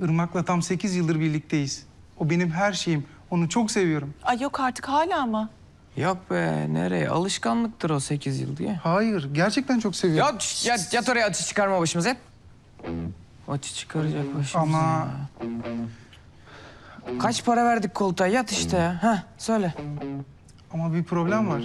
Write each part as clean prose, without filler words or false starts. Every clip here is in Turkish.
Irmak'la tam 8 yıldır birlikteyiz. O benim her şeyim. Onu çok seviyorum. Ay yok artık hala mı? Yok be, nereye? Alışkanlıktır o 8 yıl diye. Hayır, gerçekten çok seviyorum. Yat oraya, açı çıkarma başımıza. Açı çıkaracak başımıza. Ama Ya. Kaç para verdik koltuğa? Yat işte ya. Heh, söyle. ama bir problem var.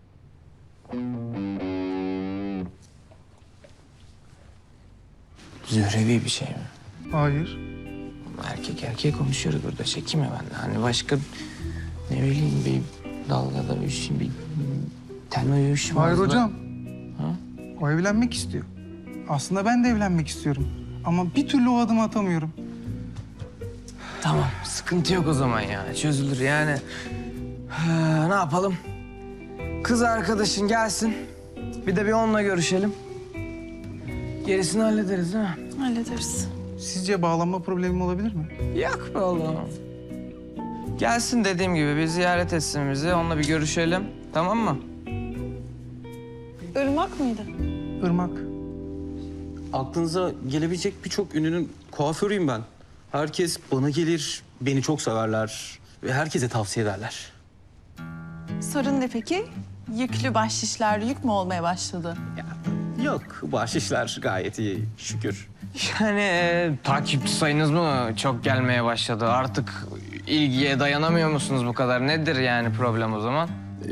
Zührevi bir şey mi? Hayır. Erkek erkeğe konuşuyoruz burada. Çekinme benden. Hani başka ne bileyim bir dalgada bir şey, bir tenme yürüyüşü var. Hayır hocam. Ha? O evlenmek istiyor. Aslında ben de evlenmek istiyorum. Ama bir türlü o adımı atamıyorum. Tamam, sıkıntı yok o zaman ya. Çözülür yani. Ne yapalım? Kız arkadaşın gelsin. Bir de bir onunla görüşelim. Gerisini hallederiz değil mi? Hallederiz. Sizce bağlanma problemim olabilir mi? Yok be oğlum. Gelsin dediğim gibi bir ziyaret etsin bizi. Onunla bir görüşelim. Tamam mı? Irmak mıydı? Irmak. Aklınıza gelebilecek birçok ünlünün kuaförüyüm ben. Herkes bana gelir, beni çok severler ve herkese tavsiye ederler. Sorun ne peki? Yüklü bahşişler yük mü olmaya başladı? Yok, bahşişler gayet iyi, şükür. Yani takipçi sayınız mı çok gelmeye başladı? Artık ilgiye dayanamıyor musunuz bu kadar? Nedir yani problem o zaman?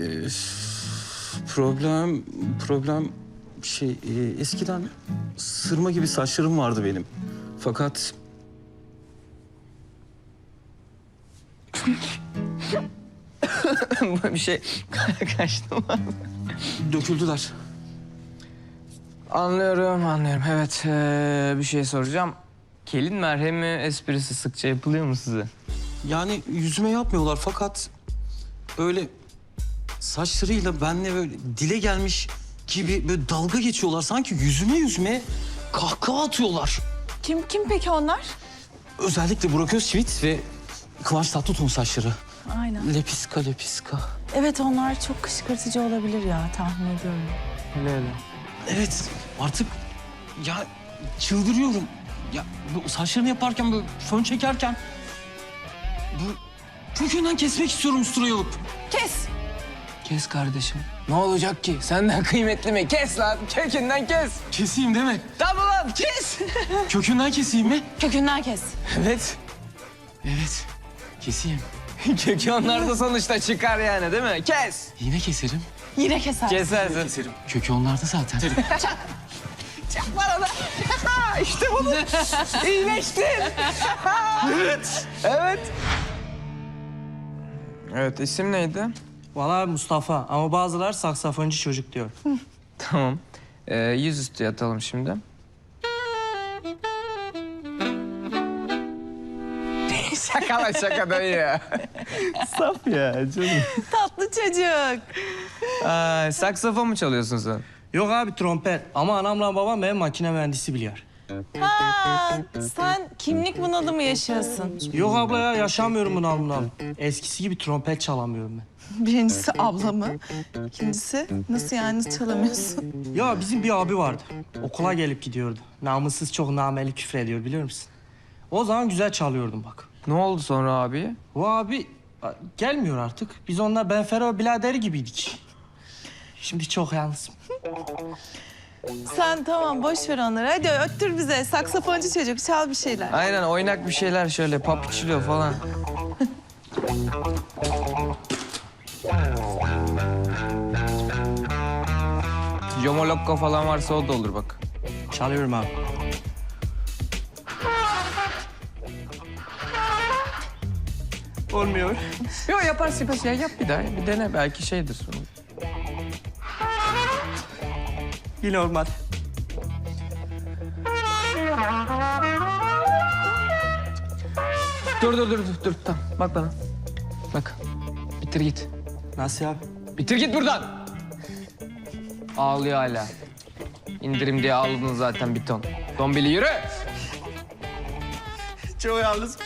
Problem eskiden sırma gibi saçlarım vardı benim. Fakat Bir şey kaçtı mı? döküldüler. Anlıyorum. Evet, bir şey soracağım. Kelin merhemi esprisi sıkça yapılıyor mu size? Yani yüzüme yapmıyorlar fakat böyle saçlarıyla benle böyle dile gelmiş gibi böyle dalga geçiyorlar. Sanki yüzüme kahkaha atıyorlar. Kim peki onlar? Özellikle Burak Özçivit ve Kıvanç Tatlıtuğ'un saçları. Aynen. Lepiska. Evet onlar çok kışkırtıcı olabilir ya tahmin ediyorum. Öyle. Evet artık ya çıldırıyorum. Ya bu saçlarını yaparken böyle fön çekerken bu kökünden kesmek istiyorum usturayı alıp. Kes! Kes kardeşim. Ne olacak ki? Senden kıymetli mi? Kes lan. Kökünden kes. Keseyim değil mi? Tamam lan kes. Kökünden keseyim mi? Kökünden kes. Evet. Evet. Keseyim. Kökü onlarda sonuçta çıkar yani değil mi? Kes. Yine keserim. Yine keser. Kesersin. Keserim. Kökü onlarda zaten. Çak bana da. İşte bunu. İyileştin. Evet. Evet, isim neydi? Valla Mustafa ama bazıları saksafoncu çocuk diyor. Tamam. Yüzüstü yatalım şimdi. Şaka dayı. Saf ya canım. Tatlı çocuk. Saksafon mu çalıyorsun sen? Yok abi trompet ama anamla babam benim makine mühendisi biliyor. Ha, sen kimlik bunalımı yaşıyorsun. Yok abla ya yaşamıyorum bunalımdan. Eskisi gibi trompet çalamıyorum ben. Birincisi ablamı. İkincisi nasıl yani nasıl çalamıyorsun? Ya bizim bir abi vardı. Okula gelip gidiyordu. Namussuz çok nameli küfür ediyor biliyor musun? O zaman güzel çalıyordum bak. Ne oldu sonra abi? O abi gelmiyor artık. Biz onunla Benfero biraderi gibiydik. Şimdi çok yalnızım. Sen tamam boş ver onları. Hadi öttür bize. Saksafoncu çocuk çal bir şeyler. Aynen oynak bir şeyler şöyle papuçluyor falan. Yomolokko falan varsa o da olur bak. Çalıyorum abi. Olmuyor. Yok yaparsın ya yap bir daha. Bir dene belki şeydir. Yine olmadı. Dur. Tamam bak bana. Bak. Bitir git. Nasıl abi? Bitir git buradan. Ağlıyor hala. İndirim diye ağladın zaten bir ton. Dombili yürü. Çok yalnız.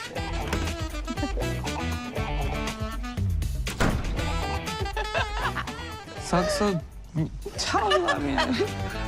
Sakso... Çal lan ya.